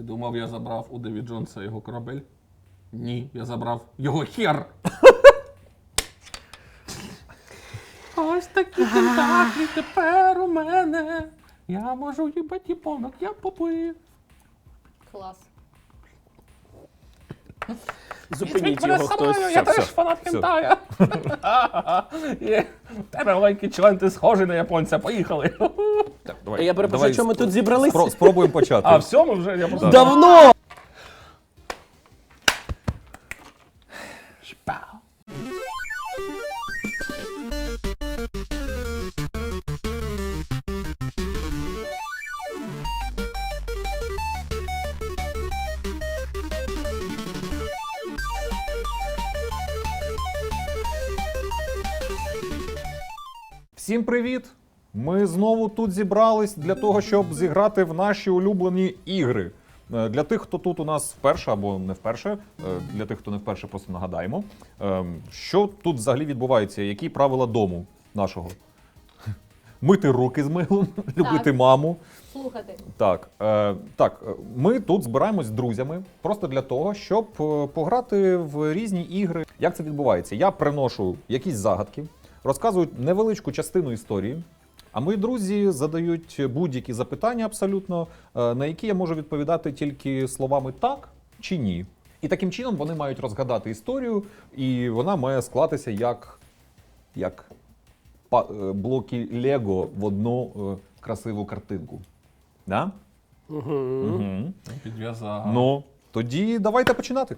Ти думав, я забрав у Деві Джонса його корабель? Ні, я забрав його хер! Ось такі тентаклі тепер у мене. Я можу їбать японок, я попив. Клас. Зупиніть його хтось. Я теж фанат хентая. В тебе маленький член, ти схожий на японця, поїхали. Так, давай, Я перепрошую, що ми тут зібралися? Спробуємо почати. А, все, ми вже, я просто... Давно! Шпау. Всім привіт! Ми знову тут зібрались для того, щоб зіграти в наші улюблені ігри. Для тих, хто тут у нас вперше або не вперше, для тих, хто не вперше, просто нагадаємо, що тут взагалі відбувається, які правила дому нашого. Мити руки з милом, любити маму. Слухати. Так, ми тут збираємось з друзями просто для того, щоб пограти в різні ігри. Як це відбувається? Я приношу якісь загадки, розказую невеличку частину історії, а мої друзі задають будь-які запитання абсолютно, на які я можу відповідати тільки словами «так» чи «ні». І таким чином вони мають розгадати історію, і вона має склатися як блоки Лего в одну красиву картинку. Да? Угу. Підв'язав. Ну, тоді давайте починати.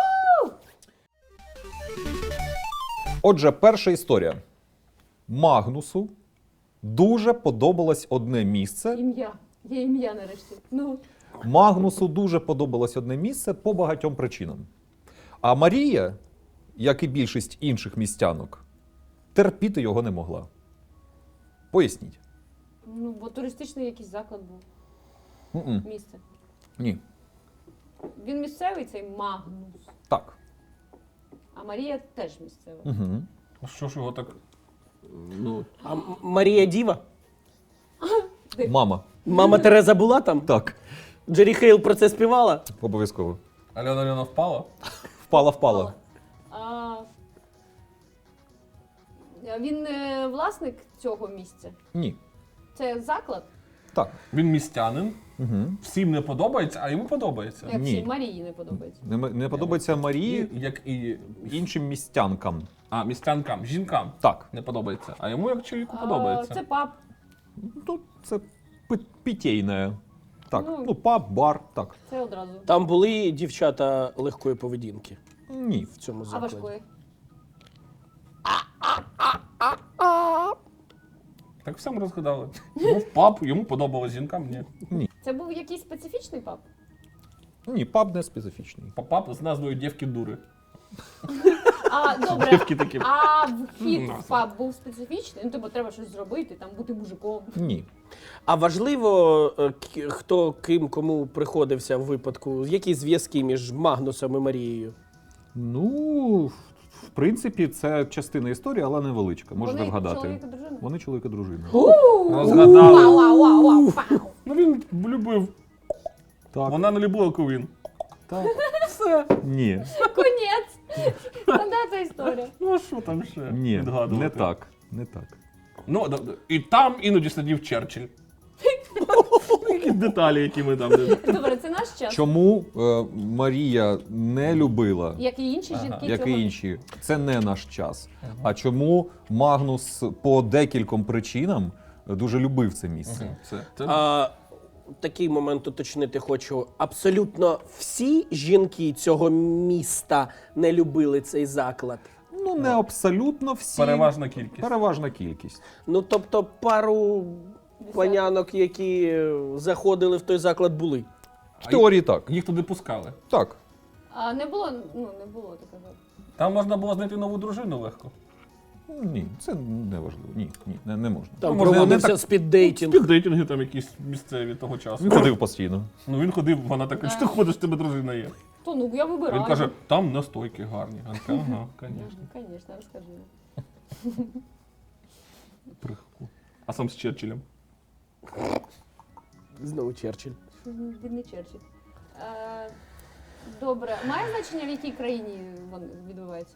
Отже, перша історія. Магнусу дуже подобалось одне місце. Ім'я. Є ім'я нарешті. Ну. Магнусу дуже подобалось одне місце по багатьом причинам. А Марія, як і більшість інших містянок, терпіти його не могла. Поясніть. Ну, бо туристичний якийсь заклад був. М-м. Місце. Ні. Він місцевий, цей Магнус. Так. А Марія теж місцева. Угу. А що ж його так... Ну, А Марія Діва? Мама. Мама Тереза була там? Так. Джері Хейл про це співала? Обов'язково. Альона впала? Впала. А він власник цього місця? Ні. Це заклад? Так. Він містянин, Угу. всім не подобається, а йому подобається. Як Ні. всій Марії не подобається. Не подобається Марії Як і... іншим містянкам. А, містянкам, жінкам Так. не подобається. А йому як чоловіку подобається. Це паб. Ну, це питейне. Так, Ну. ну, паб, бар, так. Це одразу. Там були дівчата легкої поведінки Ні. в цьому А закладі. важкої? Так всім розгадали. Йому в паб, йому подобалось, жінкам ні. Це був якийсь специфічний паб? Ні, паб не специфічний. Паб з назвою «Дівки дури». А, добре. Дівки такі. А вхід в паб був специфічний? Ну, тобто треба щось зробити, там бути мужиком. Ні. А важливо, хто ким кому приходився в випадку, які зв'язки між Магнусом і Марією? Ну, в принципі, це частина історії, але невеличка. Можете Вони вгадати. чоловік і дружина? Вони чоловік і дружина. Розгадали. Вау. Ну він любив. Так. Вона не любила ковін. Так. Все. Ні. Конець. Стандартна історія. Ну а що там ще Ні. відгадувати? Не так. Не так. Ну, і там іноді сидів Черчилль. Якісь деталі, які ми там... Добре, це наш час. Чому Марія не любила, Як і інші жінки як цього і інші? Це не наш час. А чому Магнус по декільком причинам дуже любив це місце? А, такий момент уточнити хочу. Абсолютно всі жінки цього міста не любили цей заклад. Ну, не абсолютно всі. Переважна кількість. Переважна кількість. Ну, тобто пару панянок, які заходили в той заклад, були. В теорії так. Їх туди пускали. Так. А не було такого. Там можна було знайти нову дружину легко. Ні, це не важливо. Ні, не можна. Там можливо, проводився не так- спіддейтинг. Співдейтинги там якісь місцеві того часу. Він ходив постійно. Ну він ходив, вона така, що ти ходиш, в тебе дружина є. То ну я вибираю. Він каже, там настойки гарні. Вона така, ага, звісно. Звісно, розкажи. А сам з Черчиллем. Знову Черчилль. Бідний Черчилль. Добре. Має значення, в якій країні він відбувається?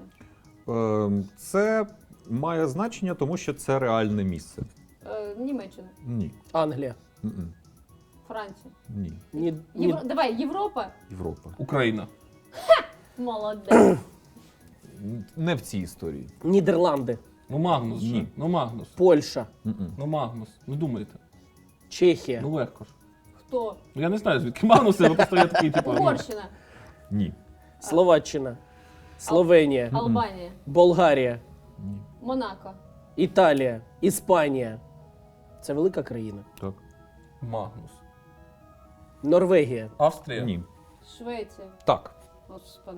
Це має значення, тому що це реальне місце. Німеччина, Ні. Англія. М-м. Франція. Ні. Давай, Європа. Європа. Україна. Молодець. Не в цій історії. Нідерланди. Ну Магнус же. Ні. Ну Магнус. Польща. М-м. Ну Магнус. Ну думайте. Чехія. Ну легко ж. Хто? Ну я не знаю, звідки Магнус, але просто я такий, типу. ну, Угорщина. Ні. Словаччина. Словенія. Албанія. Болгарія. Ні. Монако. Італія. Іспанія. Це велика країна. Так. Магнус. Норвегія. Австрія. Ні. Швеція. Так. Господи.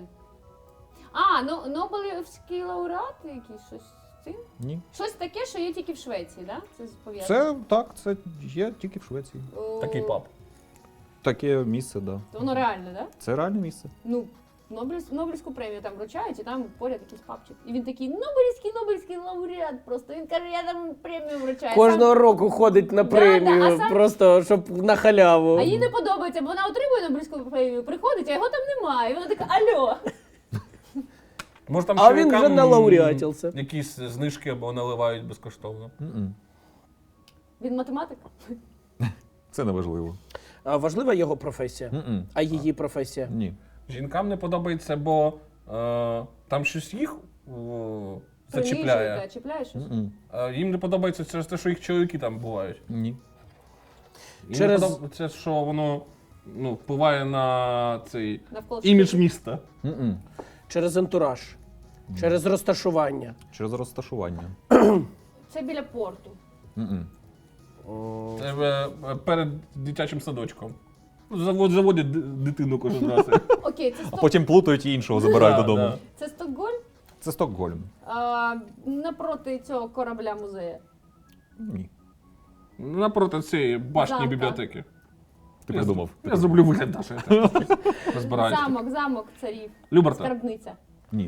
Ну Нобелівський лауреат якийсь щось з цим? Ні. Щось таке, що є тільки в Швеції, так? Да? Це пов'язано? Це так, це є тільки в Швеції. Такий пап. Таке місце, так. Да. Воно реальне, так? Да? Це реальне місце. Ну, Нобелівську премію там вручають, і там поряд якийсь папчик. І він такий Нобелівський лауреат просто. Він каже, я там премію вручаю. Кожного року ходить на премію, а сам- просто щоб на халяву. А їй не подобається, бо вона отримує Нобелівську премію, приходить, а його там немає. І вона така, алло. Може там А він чоловікам вже налауреатився. якісь знижки або наливають безкоштовно. М-м. Він математик? Це не важливо. А важлива його професія? М-м. А її професія? Ні. Жінкам не подобається, бо там щось їх зачіпляє. Принижує, чіпляє щось. М-м. Їм не подобається через те, що їх чоловіки там бувають. Ні. Їм Через- не подобається, що воно впливає на цей Навколо імідж світу. міста. М-м. Через антураж? Через розташування? Через розташування. Це біля порту. М-м. Це перед дитячим садочком. Заводять дитину кожен раз. Окей, це, А потім плутають і іншого забирають Да, додому. да. це Стокгольм? Це Стокгольм. Напроти цього корабля музею. Ні. Напроти цієї башні Замка. бібліотеки. Ти придумав. Я зроблю вигляд, Даша, я так розбираюся. Замок царів. Люберта. Скарбниця. Ні.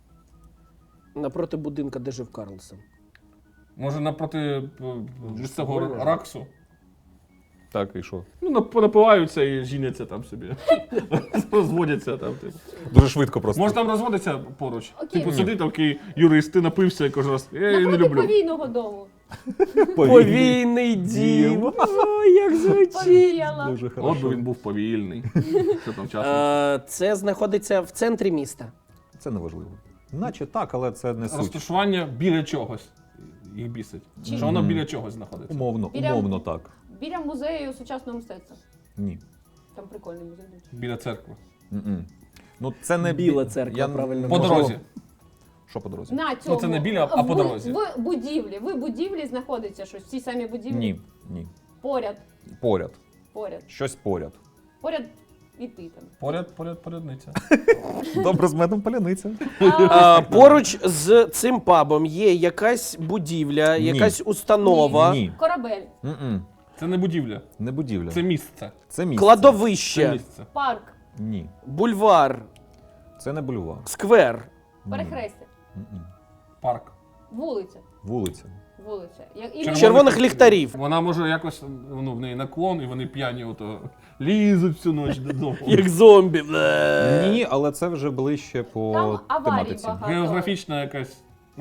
Напроти будинка, де жив Карлсон. Може напроти місцевого Стокгольм. раксу. Так, і що? Ну, напиваються і жіняться там собі. Розводяться там. Типу. Дуже швидко просто. Може там розводиться поруч. Окей. Типу сидить такий юрист, ти напився і кожен раз. Я її не Напроти люблю. повійного дому. Повійний дім. О, як звучить. Повіяла. Дуже От би хорошо. він був повільний. Що там часом? Це знаходиться в центрі міста. Це не важливо. Наче так, але це не суть. Розташування біля чогось. Їх бісить. Чи- Що воно біля чогось знаходиться. Умовно так. Біля музею сучасного мистецтва. Ні. Там прикольний музей. до речі. Біля церкви. М-м. Ну це не Біла церква, правильно. По можливо- дорозі. Що по дорозі? На цьому. це не біля, а по дорозі. В будівлі. В будівлі знаходиться щось. В цій самій будівлі. Ні. Ні. Поряд. Поряд. Поряд. Щось поряд. Поряд і ти там. Порядниця. Добре, з медом паляниця. Поруч з цим пабом є якась будівля, Ні. якась установа, Ні. Корабель. М-м. Це не будівля. Не будівля. Це місце. Це місце. Це кладовище, місце. Парк. Ні. бульвар, Це не бульвар. сквер. Ні. Перехрестя. М-м. Парк. Вулиця. Вулиця. Вулиця. Червоних ліхтарів. Вона може якось, в неї наклон, і вони п'яні ото лізуть всю ніч додому. Як зомбі. Ні, але це вже ближче по Там аварій тематиці. багато. Географічна якась,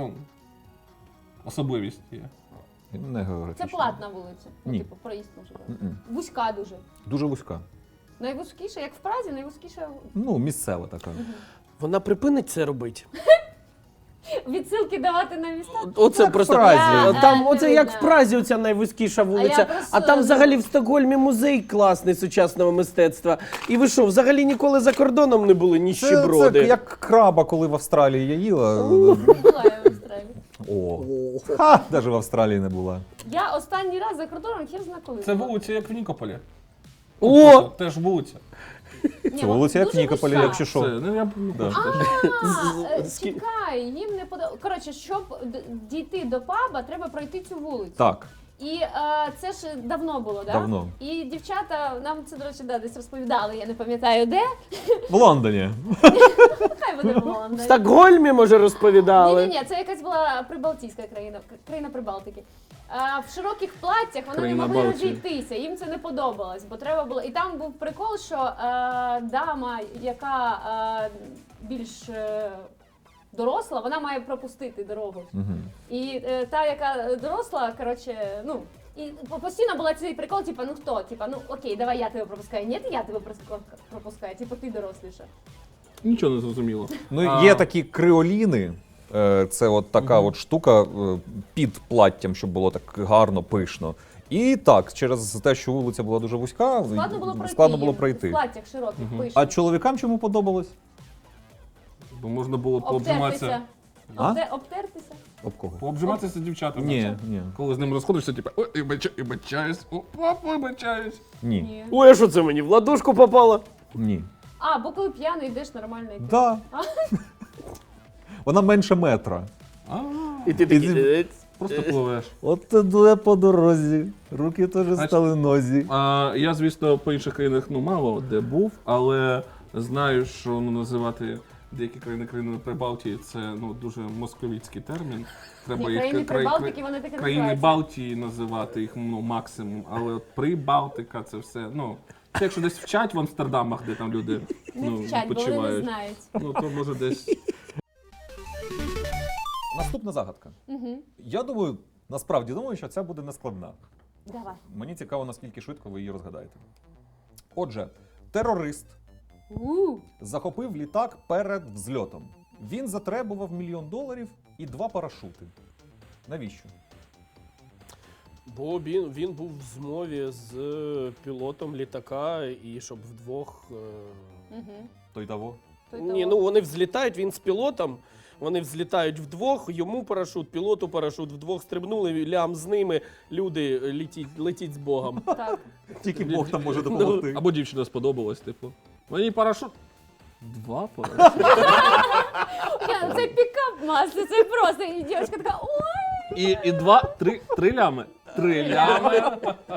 особливість є. Не географічно. Це платна вулиця. Ні. Типу, проїзд може. М-м. Вузька дуже. Дуже вузька. Найвузькіша, як в Празі, найвузькіша. Ну, місцева така. Вона припинить це робити. Відсилки давати на міста. Оце Як просто в Празі. там, Не оце як видно. в Празі, оця найвузькіша вулиця. просто- А там взагалі в Стокгольмі музей класний сучасного мистецтва. І ви що, взагалі ніколи за кордоном не були Це ніщеброди? як краба, коли в Австралії я їла. Була я в Австралії. О. Ха, навіть в Австралії не була. Я останній раз за кордоном хер зна коли. Це була. вулиця, як в Нікополі. О! Теж вулиця. Ні, Це вулиця як в дуже Нікополі, вузька. якщо що. Це, я Да. Чекай, їм не подобається. Коротше, щоб дійти до паба, треба пройти цю вулицю. Так, І це ж давно було, так? давно. І дівчата нам це, до речі, десь розповідали, я не пам'ятаю де. В Лондоні. Хай буде в В Лондоні. Стокгольмі, може, розповідали? Ні, це якась була прибалтійська країна, країна Прибалтики. в широких платтях вони Країна не могли Балтії. розійтися, їм це не подобалось, бо треба було. І там був прикол, що дама, яка більш доросла, вона має пропустити дорогу. І та, яка доросла, коротше, ну. І постійно була цей прикол, типа, ну хто? Типа, ну окей, давай я тебе пропускаю. Ні, я тебе пропускаю, типа ти доросліша. Нічого не зрозуміло. Ну, є такі криоліни. Це от така от штука під платтям, щоб було так гарно, пишно. І так, через те, що вулиця була дуже вузька, Складно було їм пройти. В платтях широких, пишних. А чоловікам чому подобалось? Бо можна було пообжиматися. Обтертися. Обтертися. Об кого? Пообжиматися з дівчатами. Ні, ні. Коли з ним розходишся, типу, ой, вибачаюсь, вибачаюсь. Ні. Ні. Ой, а що це мені? В ладошку попало? Ні. А, бо коли п'яний йдеш нормально йти. Да. Вона менше метра. І ти такий... Просто пливеш. От туди по дорозі. Руки теж стали нозі. Я, звісно, по інших країнах мало де був, але знаю, що називати деякі країнами Прибалтії це дуже московіцький термін. Треба Ні, країни Прибалтики, вони таке країни називаються. Балтії називати їх максимум, але от Прибалтика це все. Це якщо десь вчать в Амстердамах, де там люди Не вчать, бо вони не відпочивають. знають. То може десь. Наступна загадка. Я думаю, насправді думаю, що ця буде нескладна. Давай. Мені цікаво, наскільки швидко ви її розгадаєте. Отже, терорист захопив літак перед взльотом. Він затребував $1 мільйон і 2 парашути. Навіщо? Бо він був в змові з пілотом літака, і щоб вдвох... Той того. Ні, вони взлітають, він з пілотом, вони взлітають вдвох, йому парашут, пілоту парашут, вдвох стрибнули, лям з ними, люди летіть з Богом. Так. Тільки Бог там може допомогти. Або дівчина сподобалась, типу. Мені парашут. 2 парашути. Це пікап масло, це просто. І дівчинка така, ой! І 3 лями. 3 лями.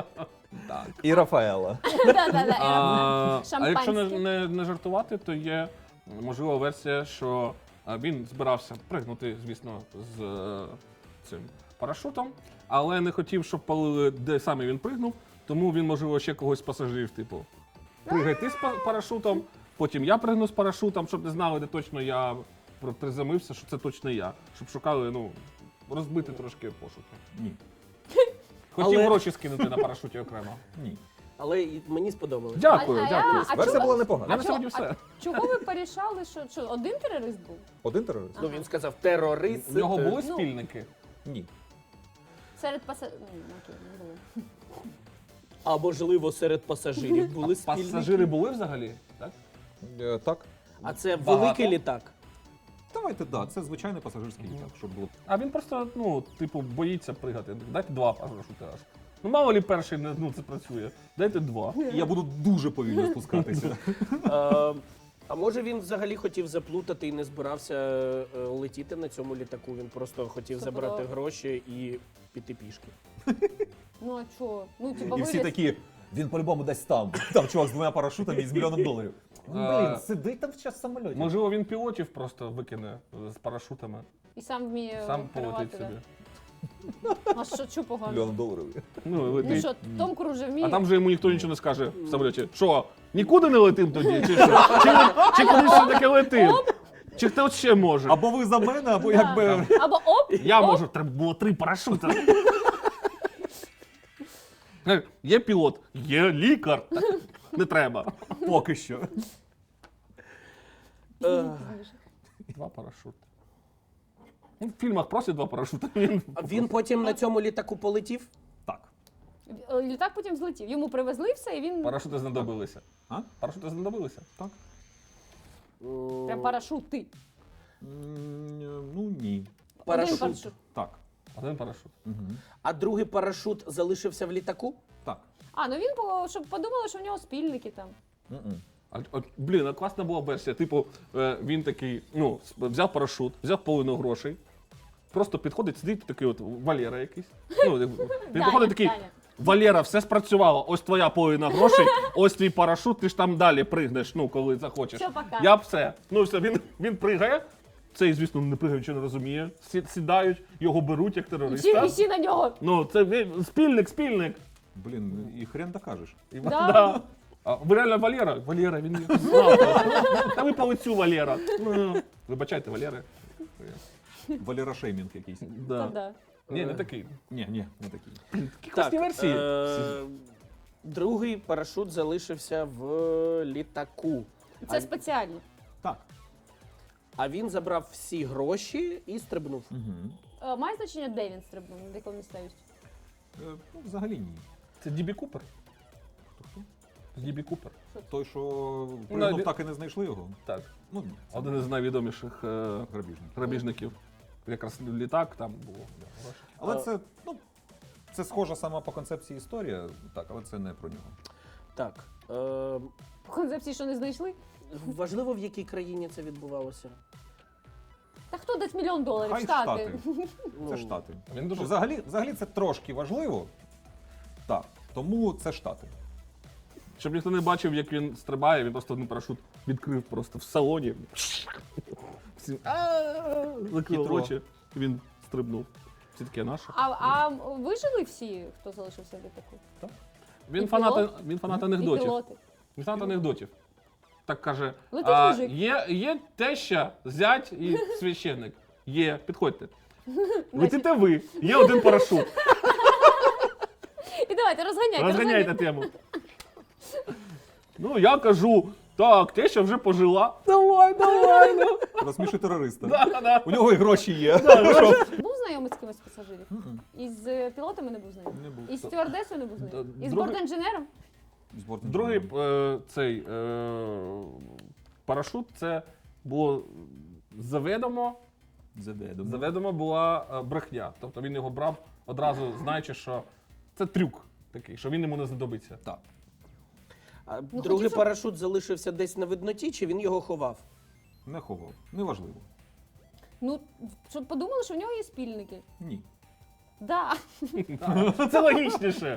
І Рафаела. Да-да-да. А якщо Шампанське. не жартувати, то є можлива версія, що він збирався пригнути, звісно, з цим парашутом, але не хотів, щоб палили, де саме він пригнув, тому він, можливо, ще когось з пасажирів, типу, пригай ти з парашутом, потім я пригну з парашутом, щоб не знали, де точно я приземлився, що це точно я, щоб шукали, розбити трошки пошуки. Ні. Хотів Але- гроші скинути на парашуті окремо. Ні. Але і мені сподобалось. Дякую, А дякую. чого- Версія була Я непогана. на сьогодні все. Чого ви порішали, що один терорист був? Один терорист? Ну, він сказав терорист. У нього були Ну, спільники? Ні. Серед пасажирів. Окей, не було. А можливо, серед пасажирів були спільники. Пасажири були взагалі? Так? Так. А це Багато. великий літак. Давайте, так, це звичайний пасажирський літак, щоб було. А він просто, боїться пригати. Дайте 2 парашути аж. Мало лі перший це працює. Дайте 2. І я буду дуже повільно спускатися. А може він взагалі хотів заплутати і не збирався летіти на цьому літаку? Він просто хотів Це забрати було- гроші і піти пішки. Ну а чого? Ну, типа, І всі виліз. такі, він по-любому десь там. Там чувак з 2 парашутами і з $1 мільйон. Блін, сидить там в час самольоті. Можливо, він пілотів просто викине з парашутами. І сам вміє Сам керувати, полетить да. собі. А що погано? $1 мільйон. Ну, і Ну летить. що, Том Круз же вміє? А там же йому ніхто нічого не скаже в самоліті. Що, нікуди не летим тоді? Чи що? Чи кудись все-таки летим? Чи хто ще може? Або ви за мене, або Да. якби. Або оп, Я оп. можу, треба було 3 парашути. Є пілот, є лікар. Не треба. Поки що. 2 парашути. В фільмах просять 2 парашути. А він потім на цьому літаку полетів? Так. Літак потім злетів. Йому привезли все, і він Парашути знадобилися. А? Парашути знадобилися? Так. прям парашути. Ну ні. Один Парашут. парашут. Так. Один парашут. А другий парашут залишився в літаку? Так. А, ну він, щоб подумали, що в нього спільники там. Блін, а класна була версія. Типу, він такий, взяв парашут, взяв половину грошей, просто підходить, сидить такий от Валера якийсь. Він підходить такий, Даня. Валера, все спрацювало, ось твоя половина грошей, ось твій парашут, ти ж там далі пригнеш, коли захочеш. Все, пока. Я б все. Все, він пригає, Цей, звісно, не пригає, нічого не розуміє. Сідають, його беруть як терориста. І всі на нього. Ну, це спільник. Блін, і хрен докажеш. Да. А ви реально Валера? Валера, він їх знав. Та ви по лицю Валера. Ну, вибачайте, Валери. Валера шеймінг якийсь. Да. Да. Ні, не такий. Ні, не такий. Такі класні версії. Другий парашут залишився в літаку. Це спеціально. Так. А він забрав всі гроші і стрибнув. Має значення, де він стрибнув, на якому місцевості? Ну, взагалі ні. Це Дібі Купер. Дібі Купер. Той, що Ну, пригнув, він- так і не знайшли його. Так. Ну, ні. Це Один із найвідоміших грабіжник. грабіжників. Якраз літак там було. гроші. Але це, ну, це схожа сама по концепції історія, так, але це не про нього. Так. По концепції, що не знайшли? Важливо, в якій країні це відбувалося. Та хто дасть $1 мільйон? Хай Штати. Штати. Ну, Це Штати. Він дуже Взагалі це трошки важливо. Так, тому це Штати. Щоб ніхто не бачив, як він стрибає, він просто один парашут відкрив просто в салоні. Всі закрили Хитро. очі, і він стрибнув. Все таке наше. А вижили всі, хто залишився в літаку? Він і фанат, пілот? він фанат І анекдотів. пілоти. Він фанат анекдотів. Так каже, Летить мужик. є теща, зять і священник. Є, підходьте. Летите ви, є один парашут. І давайте, розганяйте. Розганяйте тему. Ну, я кажу, так, теща вже пожила. Давай, ну. Розсміши терориста. Да. У нього і гроші є. Був знайомий з кимось з пасажирів? Із пілотами не був знайомий? Не був. Із стюардесою не був знайомий? Із Другий- бортінженером? Другий цей парашут, це було заведомо була брехня. Тобто він його брав одразу, знаючи, що це трюк такий, що він йому не знадобиться. Так. А хотів, другий щоб- парашут залишився десь на видноті, чи він його ховав? Не ховав. Неважливо. Ну, щоб подумали, що в нього є спільники. Ні. Да. Це логічніше.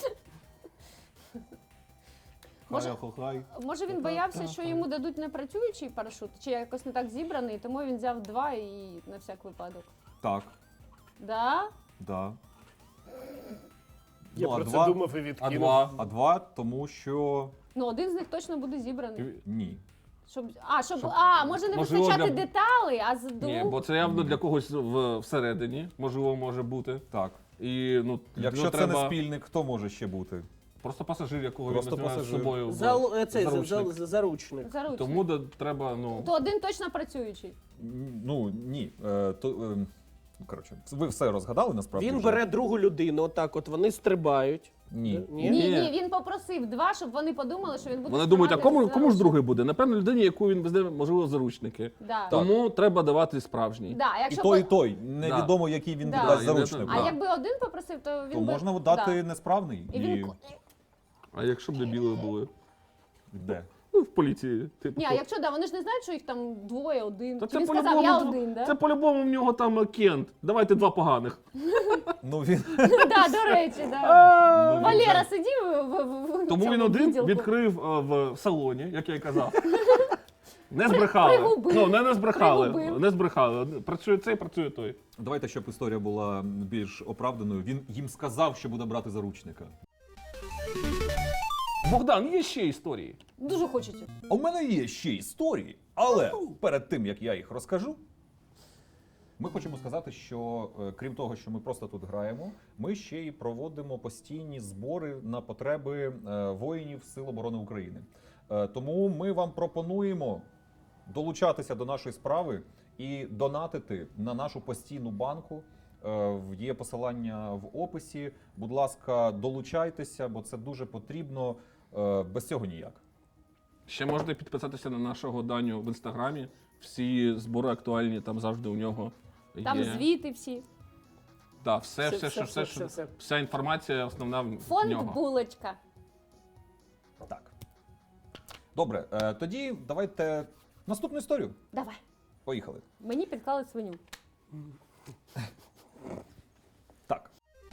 Може- Хай. Може він боявся, що йому дадуть непрацюючий парашут, чи якось не так зібраний, тому він взяв 2 і на всяк випадок. Так, Да? да. Я Ну, а про два- це думав і відкинув. А два, тому що Ну, один з них точно буде зібраний. ні. Може не Можливо, вистачати для- деталей, а з Ні, двох. бо це явно для когось всередині, можливо, може бути. Так. І, ну, Якщо ну, це треба не спільник, хто може ще бути? просто пасажир, якого Просто він візьме з пасажир. собою. в заручник. Заручник. Заручник. Тому треба, ну. То один точно працюючий. Ну, ні. Коротше, ви все розгадали насправді. Він вже? бере другу людину, отак от вони стрибають. Ні. Ні, він попросив 2, щоб вони подумали, що він буде. Вони думають, а тримати кому ж заручник. другий буде? Напевно, людині, яку він везде, можливо, заручники. Да. Тому треба давати справжній. Да, І якщо той, і по- той. Невідомо, який він Да. дасть І заручнику. А Да. якби один попросив, то він То би... можна дати Да. несправний. І він... А якщо б дебіли були? Де? Ну, в поліції. Типу. Ні, а якщо да, вони ж не знають, що їх там 2, 1. Та Чи він сказав, я один, да? Це по-любому в нього там Кент. Давайте 2 поганих. Ну він. Да, до речі, да. Ну, він Валера же- сидів в Тому цьому він один відділку. відкрив в салоні, як я й казав. Не збрехали. Пригубив. Ну, не збрехали. Пригубив. Не збрехали. Працює цей, працює той. Давайте, щоб історія була більш оправданою. Він їм сказав, що буде брати заручника. Богдан, є ще історії. Дуже хочеться. У мене є ще історії, але перед тим, як я їх розкажу, ми хочемо сказати, що крім того, що ми просто тут граємо, ми ще й проводимо постійні збори на потреби воїнів Сил оборони України. Тому ми вам пропонуємо долучатися до нашої справи і донатити на нашу постійну банку. Є посилання в описі. Будь ласка, долучайтеся, бо це дуже потрібно. Без цього ніяк. Ще можете підписатися на нашого Даню в інстаграмі. Всі збори актуальні, там завжди у нього є. Там звіти всі. Так, вся інформація основна в Фонд нього. булочка. Так. Добре, тоді давайте наступну історію. Давай. Поїхали. Мені підклали свиню. Так.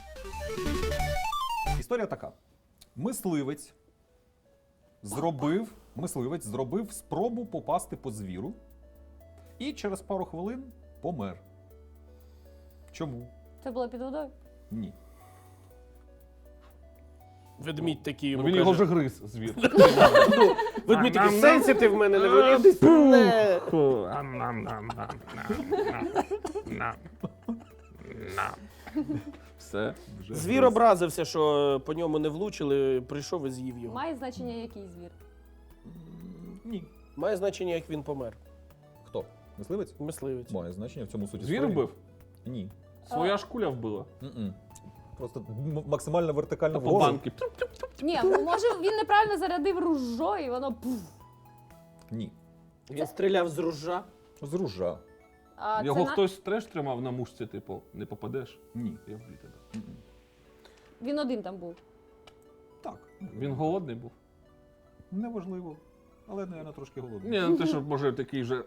Історія така. Мисливець зробив спробу попасти по звіру і через пару хвилин помер. Чому? Це було під водою? Ні. Ведмідь такий Ну, йому він його каже. вже гриз, звір. Ведмідь такий, сенситив в мене не вилізь. Не. Все. Вже Звір гриз. образився, що по ньому не влучили, прийшов і з'їв його. Має значення який звір? Ні. Має значення, як він помер. Хто? Мисливець? Мисливець. Має значення в цьому суті. Звір історії. вбив? Ні. Своя ж куля вбила. М-м. Просто максимально вертикально По вгору. банки. Ні, може він неправильно зарядив ружо і воно пуф. Ні. Він стріляв з ружа. З ружа. А Його це хтось треш тримав на мушці, типу, не попадеш. Ні. Я вб'ю тебе. М-м. Він один там був. Так. Він голодний був. Неважливо. Але, мабуть, трошки голодний. Ні, ну те, що може такий же.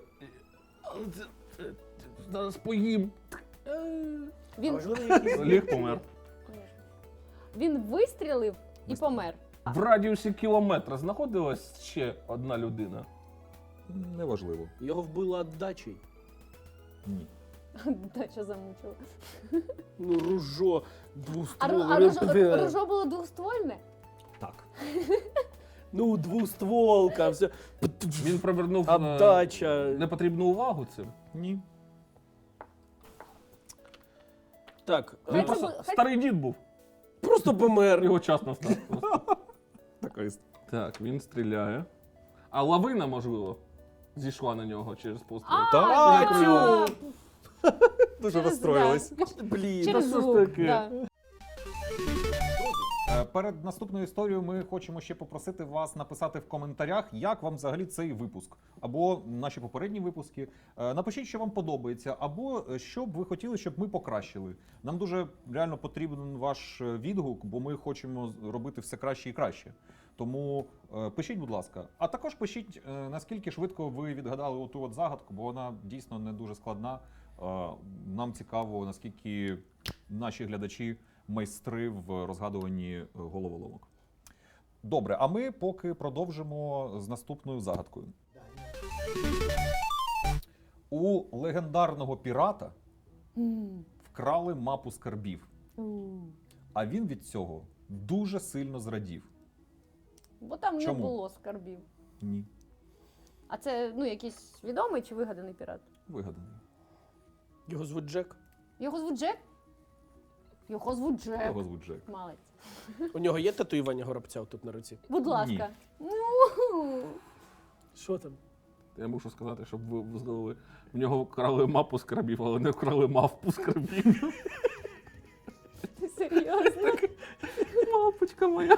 Зараз поїм. Він, Ліг помер. він вистрілив і помер. В радіусі кілометра знаходилась ще одна людина. Неважливо. Його вбила віддачею. Ні. Дача замучила. Ну, ружо, А двустволка. ружо було двоствольне? Так. Ну, двустволка, все. Він привернув Отдача. непотрібну увагу цим. Ні. Так, Він Хай просто це буде- старий дід був. просто помер. Його час настав. просто. Така історія. Так, він стріляє. А лавина, можливо, зійшла на нього через постріл. Так. а, Дуже через- розстроїлись. Блін. Через що ж звук. таке? Да. Перед наступною історією ми хочемо ще попросити вас написати в коментарях, як вам взагалі цей випуск, або наші попередні випуски. Напишіть, що вам подобається, або що б ви хотіли, щоб ми покращили. Нам дуже реально потрібен ваш відгук, бо ми хочемо робити все краще і краще. Тому пишіть, будь ласка. А також пишіть, наскільки швидко ви відгадали оту от загадку, бо вона дійсно не дуже складна. Нам цікаво, наскільки наші глядачі майстри в розгадуванні головоломок. Добре, а ми поки продовжимо з наступною загадкою. У легендарного пірата вкрали мапу скарбів, а він від цього дуже сильно зрадів. Бо там Чому? не було скарбів. Ні, А це якийсь відомий чи вигаданий пірат? вигаданий. Його звуть Джек. Його звуть Джек? Його звуть Джек. Його звуть Джек. Малець. У нього є татуювання горобця тут на руці? Будь ласка. Що там? Я мушу сказати, щоб ви знали. В нього вкрали мапу скарбів, але не вкрали мавпу скарбів. Ти серйозно? Мавпочка моя.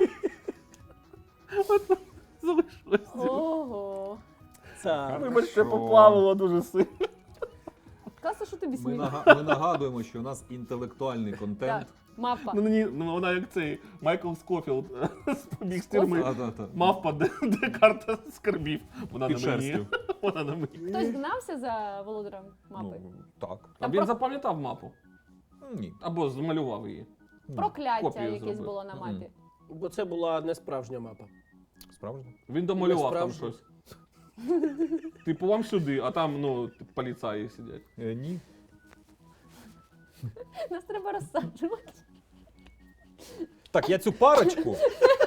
От залишилась. Ого. Так. Вибачте, поплавило дуже сильно. Класно, що тобі Ми, смішно. ми нагадуємо, що у нас інтелектуальний контент. Так, мапа. Ну, вона як цей Майкл Скофілд побіг з тюрми. Та-та-та. Мавпа, де карта скарбів. Вона Під на мені. шерстю. Вона на мені. Хтось гнався за володарем мапи? Ну, так. А Там він про- запам'ятав мапу. Ні. Або змалював її. Прокляття Копію якесь зробив. було на мапі. Бо це була не справжня мапа. Справжньо? Він домалював там Насправді. щось. Типу, вам сюди, а там, поліцаї сидять. Ні. Нас треба розсаджувати. Так, я цю парочку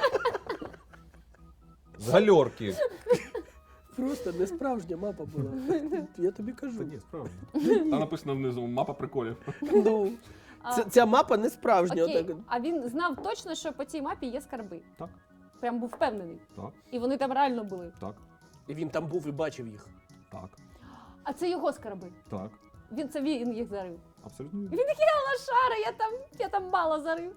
з гальорки. Просто не справжня мапа була. Я тобі кажу. Та ні, справжньо. Там написано внизу мапа приколів. Ну, ця мапа не справжня. Окей, Отак. а він знав точно, що по цій мапі є скарби. Так, Прям був впевнений. так, І вони там реально були. так, І він там був і бачив їх. так, А це його скарби. так. Він їх зарив. Абсолютно вірно. Він такий, а лошара, я там мало зарив.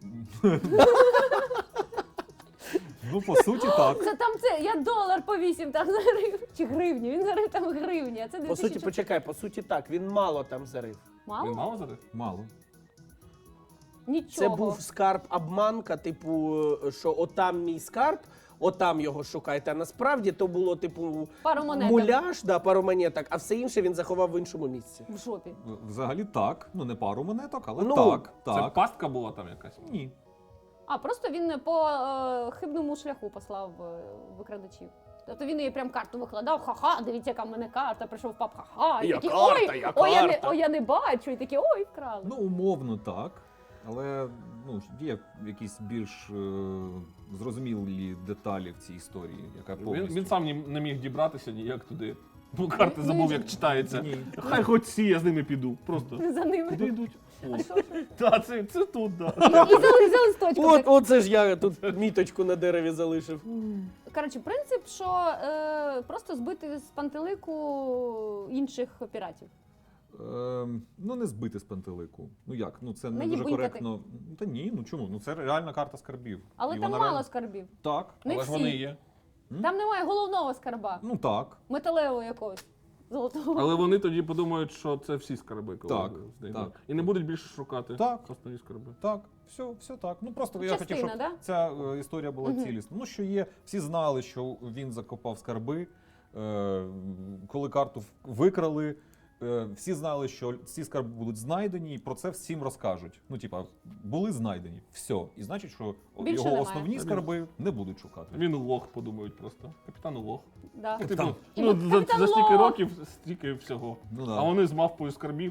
Ну, по суті, так. Я долар по 8 там зарив. Чи гривні, він зарив там гривні, а це По 2000. суті, почекай, по суті так, він мало там зарив. Мало? Він мало зараз? Мало. Нічого. Це був скарб обманка, типу, що отам мій скарб, отам його шукайте. А насправді то було, типу, Пару монеток. муляж, пару монеток, а все інше він заховав в іншому місці. В жопі. Взагалі так. Ну, не пару монеток, але Ну, так. Це Так. пастка була там якась? Ні. А, просто він по хибному шляху послав викрадачів. Тобто він їй прям карту викладав, ха-ха, дивіться, яка в мене карта, прийшов пап, ха-ха. І Я такі, карта, ой, я ой, карта. ой, я не бачу. І такі, ой, вкрали. Ну, умовно так. Але ну, є якісь більш зрозумілі деталі в цій історії, яка повністю. Він сам не міг дібратися ніяк туди. Ну, карти забув, як читається. Ні. Хай хоч всі, я з ними піду. Просто. За ними. Куди йдуть? О. А що? Так, це тут, так. І за листочком. Оце ж я тут міточку на дереві залишив. Коротше, принцип, що просто збити з пантелику інших піратів. Ну, не збити з пантелику. Ну як? Ну це не дуже Наїбунькати. коректно. Та ні, ну чому? Ну це реальна карта скарбів. Але І там вона мало реально- скарбів. Так. Не Але ж всі. вони є. Там немає головного скарба, Ну так. металевого якогось. Золотого. Але вони тоді подумають, що це всі скарби, коли Так, знайдуть. так. І не будуть більше шукати Так. основні скарби. Так, все так. Ну просто я Частина, хотів, щоб да? ця історія була цілісна. Ну що є, всі знали, що він закопав скарби, коли карту викрали. Всі знали, що ці скарби будуть знайдені, і про це всім розкажуть. Ну, типа, були знайдені, все. І значить, що Більше його немає. основні скарби не будуть шукати. Він лох, подумають просто. Капітан лох. Да. Типу, Капітан. ну, Капітан за стільки Лох. років, стільки всього. Ну, да. А вони з мавпою скарбів.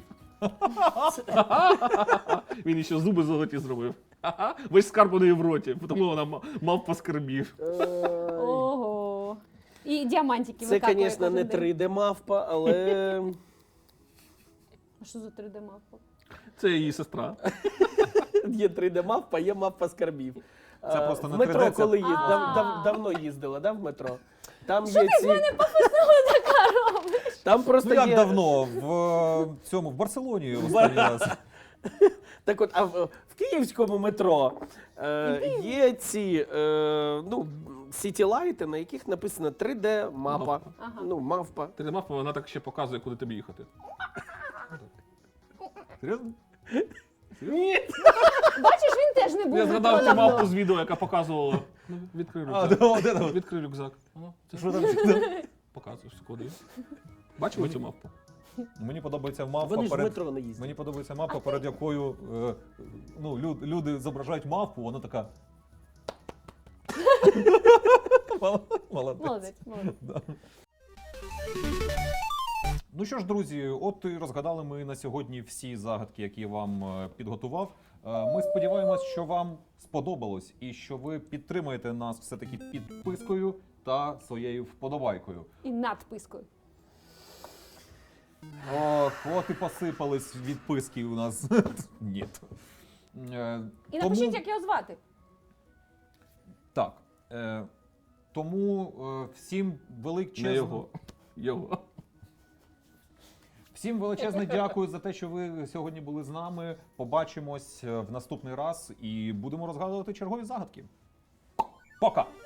Він ще зуби золоті зробив. Весь скарб у неї в роті, тому вона мавпа скарбів. Ого. І діамантики Це, викапує звісно, кожен не день. 3D-мавпа, але А що за 3D мавпа? Це її сестра. є 3D-мавпа, є мавпа скарбів. Це просто в не метро, 3D, це- коли А. давно їздила, да, в метро? Там є ці... Там просто Ну як є... давно? В Барселоні останній раз. Так от, а в київському метро є ці сітілайти, на яких написано 3D-мапа. Ага. Ну, мавпа. Ти мавпа, вона так ще показує, куди тобі їхати. Серйозно? Ні. Бачиш, він теж не був Я в згадав метро цю давно. мавпу з відео, яка показувала. Ну, відкрий А, рюкзак. де там? Відкрий рюкзак. Ну, це Що що там? показуєш, куди. Бачили цю мавпу? Мені подобається мавпа Вони ж в перед... метро не їздять. Мені подобається мапа, перед якою люди зображають мавпу, вона така. Молодець. Молодець, молодець. Да. Ну що ж, друзі, от і розгадали ми на сьогодні всі загадки, які я вам підготував. Ми сподіваємось, що вам сподобалось і що ви підтримаєте нас все-таки підпискою та своєю вподобайкою. І надпискою. Ох, от і посипались відписки у нас. Ні. І напишіть, як його звати. Так. Тому всім Не величезне... його. Його. Всім величезне дякую за те, що ви сьогодні були з нами. Побачимось в наступний раз і будемо розгадувати чергові загадки. Пока!